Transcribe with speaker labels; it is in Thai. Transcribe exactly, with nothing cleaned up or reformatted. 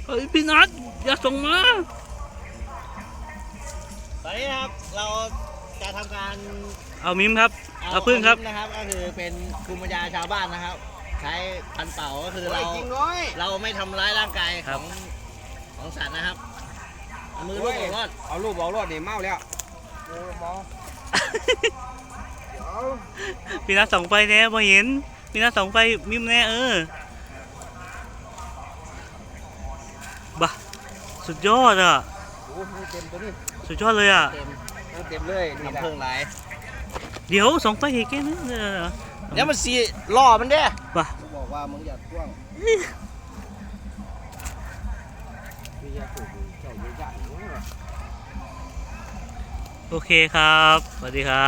Speaker 1: เฮ้ยพี่นัทอย่าส่งมา
Speaker 2: ตอนนี้นะครับเราจะทำการ
Speaker 1: เอามิมครับเอาพึ่งครับ
Speaker 2: นะครับก็คือเป็นภูมิปัญญาชาวบ้านนะครับใช้พันเป่าก็คือเราเราไม่ทำร้ายร่างกายของของสัตว์นะครับเอามือลูบออกรอด
Speaker 3: เอาลูกบอกรอดนี่เมาแล้ว
Speaker 1: พี่นัทส่องไฟแน่พอเห็นพี่นัทส่องไฟมิมแน่เออบ้าสุดยอดอ่ะสุดยอดเลยอ่ะ
Speaker 2: เต็มเลยทำเพิ่งไร
Speaker 1: เดี๋ยวส่องไฟเห็นแค่นั้น
Speaker 2: เดี๋ยวมันสีล่อมันเด้
Speaker 1: บ้า
Speaker 3: บอกว่ามึงอย่าท่วง
Speaker 1: โอเคครับสวัสดีครับ